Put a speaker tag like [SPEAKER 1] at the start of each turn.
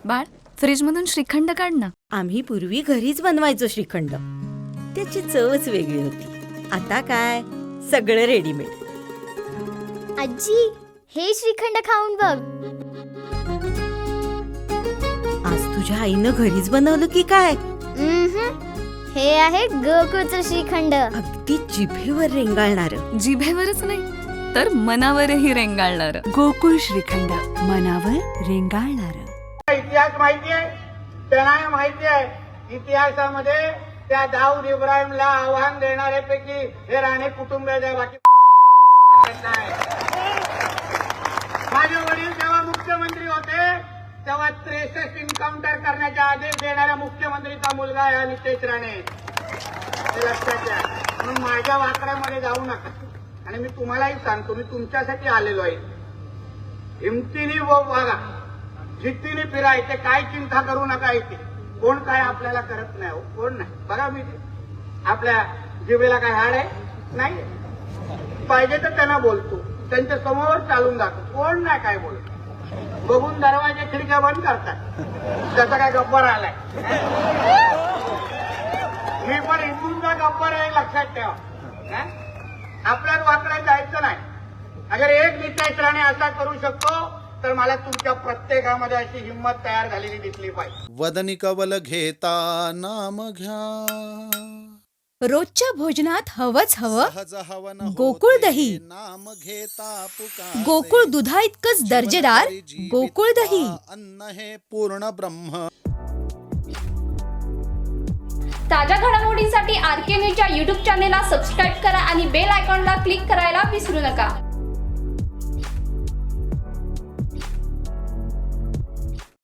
[SPEAKER 1] बाळ, फ्रीजमधून श्रीखंड काढ ना.
[SPEAKER 2] आम्ही पूर्वी घरीच बनवायचो श्रीखंड. त्याची चवच वेगळी होती. आता काय सगळं रेडीमेड.
[SPEAKER 3] आजी, हे श्रीखंड खाऊन बघ.
[SPEAKER 2] आज तुझ्या आईनं घरीच बनवलं की काय?
[SPEAKER 3] हे आहे गोकुळचं श्रीखंड.
[SPEAKER 2] अगदी जिभेवर रेंगाळणार.
[SPEAKER 1] जिभेवरच नाही तर मनावरही रेंगाळणार. गोकुळ श्रीखंड, मनावर रेंगाळणार.
[SPEAKER 4] इतिहास माहिती आहे, त्यांना माहिती आहे. इतिहासामध्ये त्या दाऊद इब्राहिमला आव्हान देणाऱ्यापैकी हे राणे कुटुंबाच्या बाकी माझे वडील जेव्हा मुख्यमंत्री होते तेव्हा 63 एन्काउंटर करण्याचे आदेश देणाऱ्या मुख्यमंत्रीचा मुलगा आहे नितेश राणे. हे लक्षात घ्या. म्हणून माझ्या वाकड्यामध्ये जाऊ नका. आणि मी तुम्हालाही सांगतो, मी तुमच्यासाठी आलेलो आहे. हिमतीने वागा, जिद्दीने फिरायचे, काय चिंता करू नका. इथे कोण काय आपल्याला करत नाही. हो, कोण नाही. बघा मी आपल्या जिभेला काय हाड आहे नाही. पाहिजे तर त्यांना बोलतो, त्यांच्या समोर चालून जातो. कोण नाही काय बोलतो. बघून दरवाजे खिडक्या बंद करतात. त्याचा काय गब्बर आलाय. मी पण हिंदूंचा गब्बर आहे, लक्षात ठेवा. आपल्याच वाकड्यात जायचं नाही. अगर एक नितेश राणे असा करू शकतो तर मला तुमच्या प्रत्येकामध्ये अशी हिंमत तयार झालेली दिसली पाहिजे.
[SPEAKER 5] वदनी कवल घेता नाम घ्या.
[SPEAKER 6] रोजच्या भोजनात हवंच हवं
[SPEAKER 5] सहज हवन
[SPEAKER 6] गोकुळ दही.
[SPEAKER 5] नाम घेता पुकारते.
[SPEAKER 6] गोकुळ दुधा इतकंच दर्जेदार गोकुळ दही.
[SPEAKER 5] अन्न हे पूर्ण ब्रह्म.
[SPEAKER 7] ताज्या घडामोडींसाठी RK न्यूजच्या YouTube चॅनेलला सबस्क्राईब करा आणि बेल आयकॉनला क्लिक करायला विसरू नका.